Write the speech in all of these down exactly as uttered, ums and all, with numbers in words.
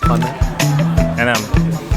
ครนะแนะนำ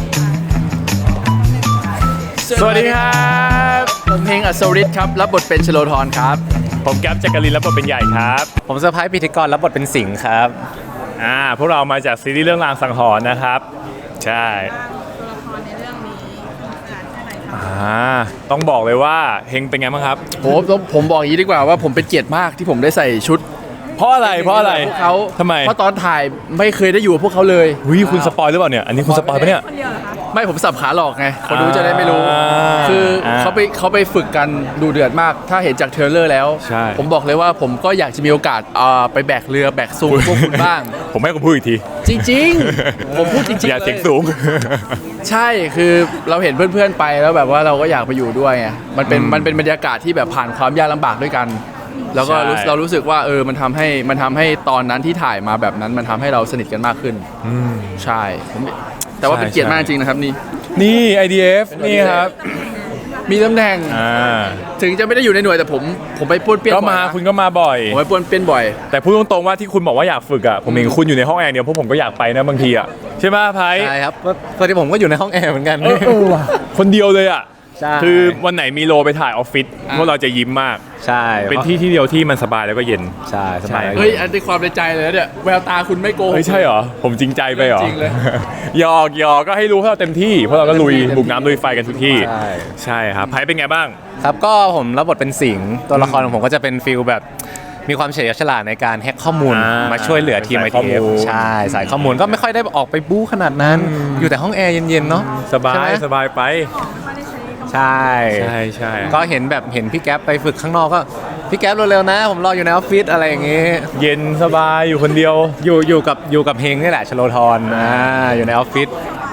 สวัสดีครับผมเฮงอัศวริศครับรับบทเป็นชโลธรครับผมแก๊ปจักรินรับบทเป็นใหญ่ครับผมเซอร์ไพรส์พิธีกรรับบทเป็นสิงห์ครับอ่าพวกเรามาจากซีรีส์เรื่องรางสังหรณ์นะครับใช่ตัวละครในเรื่องนี้สนุกสนานแค่ไหนครับอ่าต้องบอกเลยว่าเฮงเป็นไงบ้างครับโหผมบอกอย่างนี้ดีกว่าว่าผมเป็นเกียรติมากที่ผมได้ใส่ชุดเพราะอะไรเพราะอะไรพวกเขาทำไมเพราะตอนถ่ายไม่เคยได้อยู่กับพวกเขาเลยวิคุณสปอยหรือเปล่าเนี่ยอันนี้คุณสปอยปะเนี่ยคนเดียวเหรอคะไม่ผมสับขาหลอกไงคนดูจะได้ไม่รู้คือเขาไปเขาไปฝึกกันดูเดือดมากถ้าเห็นจากเทรลเลอร์แล้วผมบอกเลยว่าผมก็อยากจะมีโอกาสไปแบกเรือแบกซุงพวกคุณบ้างผมให้คุณพูดอีกทีจริงๆผมพูดจริงๆอย่าเสียงสูงใช่คือเราเห็นเพื่อนๆไปแล้วแบบว่าเราก็อยากไปอยู่ด้วยไงมันเป็นมันเป็นบรรยากาศที่แบบผ่านความยากลำบากด้วยกันแล้วก็เรารู้สึกว่าเออมันทำให้มันทำให้ตอนนั้นที่ถ่ายมาแบบนั้นมันทำให้เราสนิทกันมากขึ้นใช่ผมแต่ว่าเป็นเกียรติมากจริงนะครับนี่นี่ ไอ ดี เอฟ นี่ครับมีตำแหน่งถึงจะไม่ได้อยู่ในหน่วยแต่ผมผมไปป้วนเปี้ยนก็มาคุณก็มาบ่อยผมไปป้วนเปี้ยนบ่อยแต่พูดตรงๆว่าที่คุณบอกว่าอยากฝึกอ่ะผมเห็นคุณอยู่ในห้องแอร์เดียวพวกผมก็อยากไปนะบางทีอ่ะใช่ไหมไพ่ใช่ครับตอนที่ผมก็อยู่ในห้องแอร์เหมือนกันคนเดียวเลยอ่ะคือวันไหนมีโลไปถ่ายออฟฟิศพวกเราจะยิ้มมากใช่เป็นที่ที่เดียวที่มันสบายแล้วก็เย็นใช่สบายเฮ้ยอันนี้ความในใจเลยเนี่ยแววตาคุณไม่โกหกเฮ้ยใช่เหรอผมจริงใจไปเหรอจริงเลยหยอกหยอกก็ให้รู้ว่าเราเต็มที่เพราะเราก็ลุยบุกน้ำลุยไฟกันทุกที่ใช่ครับไพ่เป็นไงบ้างครับก็ผมรับบทเป็นสิงห์ตัวละครของผมก็จะเป็นฟิลแบบมีความเฉลียวฉลาดในการแฮกข้อมูลมาช่วยเหลือทีม ไอ ที เอฟ ใช่สายข้อมูลก็ไม่ค่อยได้ออกไปบู๊ขนาดนั้นอยู่แต่ห้องแอร์เย็นๆเนาะสบายสบายไปใช่ใช่ใช่ก็เห็นแบบเห็นพี่แก๊ปไปฝึกข้างนอกก็พี่แก๊ปเร็วๆนะผมรออยู่ในออฟฟิศอะไรอย่างงี้เย็นสบายอยู่คนเดียวอยู่อยู่กับอยู่กับเฮงนี่แหละชโลธรอ่าอยู่ในออฟฟิศ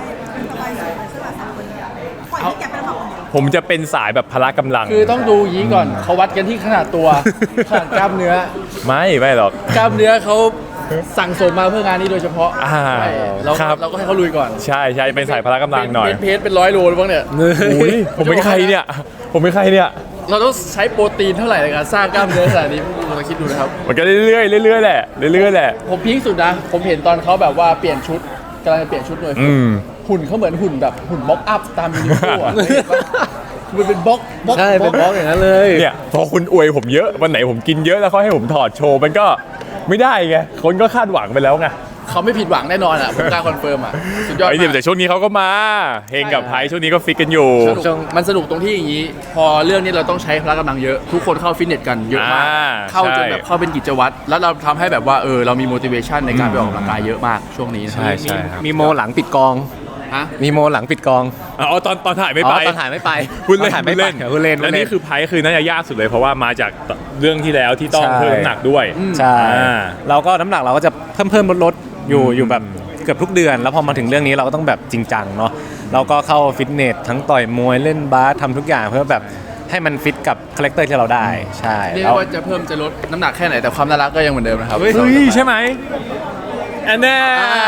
ผมจะเป็นสายแบบพละกำลังคือต้องดูยี้ก่อนเขาวัดกันที่ขนาดตัวขนาดกล้ามเนื้อไม่ไม่หรอกกล้ามเนื้อเขาสั่งสมมาเพื่องานนี้โดยเฉพาะเราเราก็ให้เขาลุยก่อนใช่ใช่เป็นสายพละกำลังหน่อยเพจเป็นร้อยโลหรือเปล่าเนี่ยผมเป็นใครเนี่ยผมเป็นใครเนี่ยเราต้องใช้โปรตีนเท่าไหร่ในการสร้างกล้ามเนื้อขนาดนี้คุณลองคิดดูนะครับมันก็เรื่อยๆเรื่อยๆแหละเรื่อยๆแหละผมพีคสุดนะผมเห็นตอนเขาแบบว่าเปลี่ยนชุดกำลังจะเปลี่ยนชุดเลยหุ่นเขาเหมือนหุ่นแบบหุ่นบ็อกอัพตามยูนิโคอ่ะมันเป็นบล็อกใช่เป็นบล็อกอย่างนั้นเลยเนี่ยพอคุณอวยผมเยอะวันไหนผมกินเยอะแล้วเขาให้ผมถอดโชว์มันก็ไม่ได้ไงคนก็คาดหวังไปแล้วไงเขาไม่ผิดหวังแน่นอนอ่ะผมกล้าคอนเฟิร์มอ่ะสุดยอดไอ้เดี๋ยวแต่ช่วงนี้เขาก็มาเฮงกับไพช่วงนี้ก็ฟิตกันอยู่มันสนุกตรงที่อย่างนี้พอเรื่องนี้เราต้องใช้พละกำลังเยอะทุกคนเข้าฟิตเนสกันเยอะมากเข้าจนแบบเข้าเป็นกิจวัตรแล้วเราทำให้แบบว่าเออเรามี motivation ในการไปออกกำลังกายเยอะมากช่วงนี้ใช่ใช่มีโมหลังปิดกองมีโมหลังปิดกองอ๋อตอนตอนถ่ายไม่ไปตอนถ่ายไม่ไปคุณเล่นไม่เล่นคุณเล่นแล้วนี่คือไพ่คือน่าจะยากสุดเลยเพราะว่ามาจากเรื่องที่แล้วที่ต้องเพิ่มน้ำหนักด้วยใช่เราก็น้ำหนักเราก็จะเพิ่มเพิ่มลดลดอยู่อยู่แบบเกือบทุกเดือนแล้วพอมาถึงเรื่องนี้เราก็ต้องแบบจริงจังเนาะเราก็เข้าฟิตเนสทั้งต่อยมวยเล่นบาสทำทุกอย่างเพื่อแบบให้มันฟิตกับคาแรคเตอร์ที่เราได้ใช่เรียกว่าจะเพิ่มจะลดน้ำหนักแค่ไหนแต่ความน่ารักก็ยังเหมือนเดิมนะครับเฮ้ยใช่ไหมแอนแน่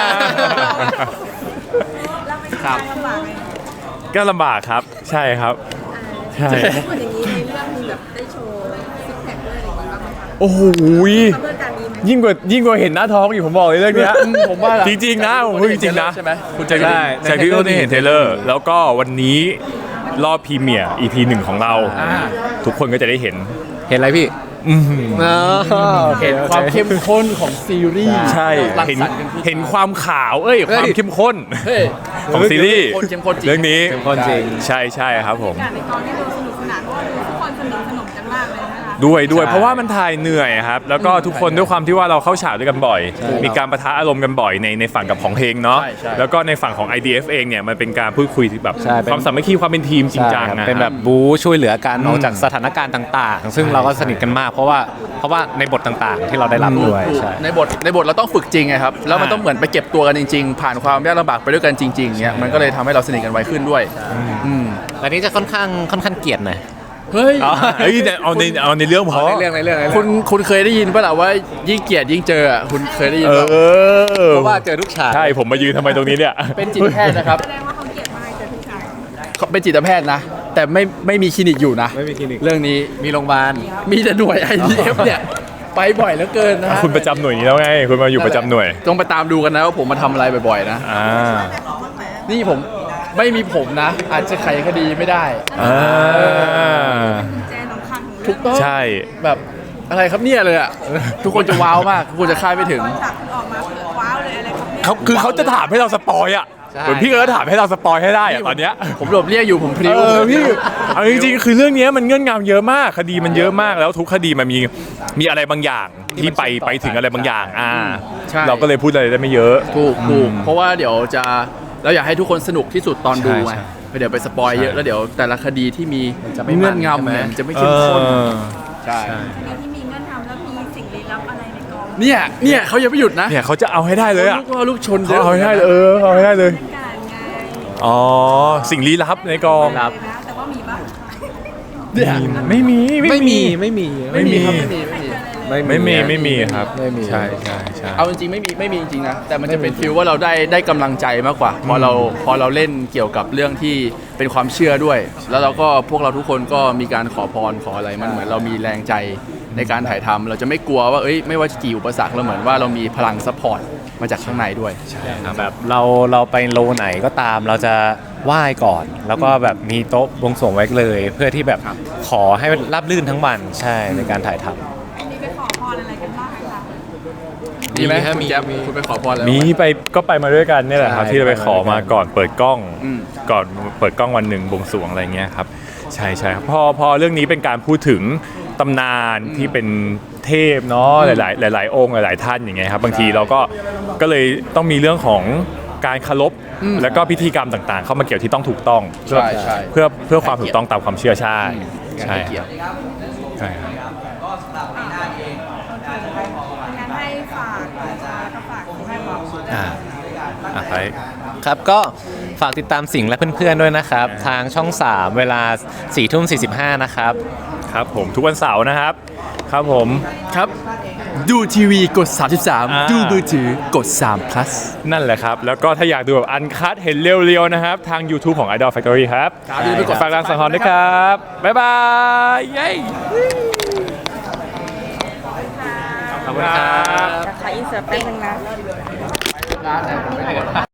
ครับก็ลำบากครับใช่ครับใช่คนอย่างนี้ในเรื่องมีแบบได้โชว์ซิกแพคด้วยอะไรอย่างงี้บ้างไหมคะโอ้โหยิ่งกว่ายิ่งกว่าเห็นหน้าท้องอยู่ผมบอกเลยเรื่องนี้ผมว่าจริงๆนะผมพูดจริงๆนะใช่ไหมคุณจะได้ใช่ที่เราได้เห็นเทเลอร์แล้วก็วันนี้รอบพรีเมียร์ อี พี หนึ่งของเราทุกคนก็จะได้เห็นเห็นอะไรพี่เห็นความเข้มข้นของซีรีส์ใช่เห็นเห็นความขาวเอ้ยความเข้มข้นของซีรีส์เรื่องนี้เข้มข้นจริงใช่ใช่ครับผมในตอนนี้ดูสนุกสนานเพราะว่าทุกคนสนิทสนมกันมากเลยนะคะด้วยด้วยเพราะว่ามันถ่ายเหนื่อยครับแล้วก็ทุกคนด้วยความที่ว่าเราเข้าฉากด้วยกันบ่อยมีการปะทะอารมณ์กันบ่อยในในฝั่งกับของเฮงเนาะแล้วก็ในฝั่งของ ไอ ดี เอฟ เองเนี่ยมันเป็นการพูดคุยแบบความสามัคคีความเป็นทีมจริงจังนะเป็นแบบบู๊ช่วยเหลือกันออกจากสถานการณ์ต่างๆซึ่งเราก็สนิทกันมากเพราะว่าเพราะว่าในบทต่างๆที่เราได้รับด้วยในบทในบทเราต้องฝึกจริงไงครับแล้วมันต้องเหมือนไปเก็บตัวกันจริงๆผ่านความยากลำบากไปด้วยกันจริงๆเนี่ยมันก็เลยทำให้เราสนิทกันไวขึ้นด้วยอันนี้จะค่อนข้างค่อนข้างเกลียดหน่อยเฮ้ยเฮ้ยเอาในเอาในเรื่องพอในเรื่องในเรื่องคุณคุณเคยได้ยินป่ะล่ะว่ายิ่งเกลียดยิ่งเจอคุณเคยได้ยินป่ะเพราะว่าเจอทุกฉากใช่ผมมายืนทำไมตรงนี้เนี่ยเป็นจิตแพทย์นะครับแสดงว่าเขาเกลียดมากเจอทุกฉากเขาเป็นจิตแพทย์นะแต่ไม่ไม่มีคลินิกอยู่นะไม่มีคลินิกเรื่องนี้มีโรงพยาบาลมีแต่หน่วย ไอ ดี เอฟ เนี่ยไปบ่อยเหลือเกินนะฮะคุณประจำหน่วยนี้แล้วไงคุณมาอยู่ประจำหน่วยต้องไปตามดูกันนะว่าผมมาทำอะไรบ่อยๆนะอ่านี่ผมไม่มีผมนะ อาจจะไขคดีไม่ได้อ่าแจนสำคัญของถูเรื่อก งต้องใช่แบบอะไรครับเนี่ยเลยอ่ะ ทุกคนจะว้าวมากทุกคนจะคาดไม่ถึงฉากออกมาคือว้าวเลยอะไรครับเนี่ยเขาคือเขาจะถามให้เราสปอยอ่ะใช่เหมือนพี่เอิร์ธถามให้เราสปอยให้ได้อ่ะตอนเนี้ยผมหลบเลี่ยงอยู่ผมพริ้วเออพี่เอาจริงๆคือเรื่องเนี้ยมันเงื่อนงำเยอะมากคดีมันเยอะมากแล้วทุกคดีมันมีมีอะไรบางอย่างที่ไปไปถึงอะไรบางอย่างอ่าใช่เราก็เลยพูดอะไรได้ไม่เยอะถูกถูกเพราะว่าเดี๋ยวจะเราอยากให้ทุกคนสนุกที่สุดตอนดูใช่ไงใช่เดี๋ยวไปสปอยเยอะแล้วเดี๋ยวแต่ละคดีที่มีเงื่อนงำเนี่ยมันจะไม่เข้มข้นเออใช่คดีที่มีเงื่อนทำแล้วมีสิ่งลี้ลับอะไรในกองเนี่ยเนี่ยเขายังไม่หยุดนะเนี่ยเขาจะเอาให้ได้เลยอ่ะลูกล่อลูกชนเขาเอาให้ได้เลยเออเอาให้ได้เลยเป็นการไงอ๋อสิ่งลี้ลับในกองครับนะแต่ว่ามีบ้างเนี่ยไม่มีไม่มีไม่มีไม่มีครับไม่มีไม่มีไม่มีไม่มีครับไม่มีใช่ใช่ใช่เอาจริงๆไม่มีไม่มีจริงๆนะแต่มันจะเป็นฟีลว่าเราได้ได้กำลังใจมากกว่า พอเราพอเราเล่นเกี่ยวกับเรื่องที่เป็นความเชื่อด้วย แล้วเราก็พวกเราทุกคนก็มีการขอพรขออะไรมันเหมือนเรามีแรงใจในการถ่ายทำเราจะไม่กลัวว่าเอ้ยไม่ว่าจะกี่อุปสรรคเราเหมือนว่าเรามีพลังซัพพอร์ตมาจากข้างในด้วยแบบเราเราไปโลไหนก็ตามเราจะไหว้ก่อน แล้วก็แบบมีโต๊ะบวงสรวงไว้เลย เพื่อที่แบบครับขอให้ราบรื่นทั้งวันใช่ในการถ่ายทำมีไปขอพรอะไรกันบ้างคะมีไหมมีครับคุณมีแจ๊บมีคุณไปขอพรแล้วมีไปก็ไปมาด้วยกันเนี่ยแหละครับใช่ที่เราไปขอมาก่อนเปิดกล้องอืมก่อนเปิดกล้องวันหนึ่งบวงสรวงอะไรเงี้ยครับใช่ใช่ครับพอพอเรื่องนี้เป็นการพูดถึงตำนานที่เป็นเทพเนาะหลาย ๆ หลาย ๆ องค์หลาย ๆ ท่านอย่างเงี้ยครับบางทีเราก็ก็เลยต้องมีเรื่องของการเคารพอืมแล้วก็พิธีกรรมต่าง ๆ เข้ามาเกี่ยวที่ต้องถูกต้องเพื่อใช่ใช่เพื่อเพื่อความถูกต้องตามความเชื่อใช่ใช่ให้เกียรติใช่ครับงั้นให้ฝากนะคะก็ฝากให้บอกอ่าอ่ะไปครับก็ฝากติดตามสิ่งและเพื่อนๆด้วยนะครับ ทางช่อง สาม เวลาสี่ทุ่มสี่สิบห้านะครับครับผมทุกวันเสาร์นะครับครับผมครับ ดูทีวีกด สามสิบสามอ่าดูมือถือกด สาม plus นั่นแหละครับ แล้วก็ถ้าอยากดูแบบอันคัดเห็นเรียวๆนะครับ ทาง YouTube ของ Idol Factory ครับครับอย่าลืมไปกดฝากรังสังหรณ์ด้วยครับ บ๊ายบายเย้ขอบคุณครับขออินเสิร์ตแป๊บนึงนะ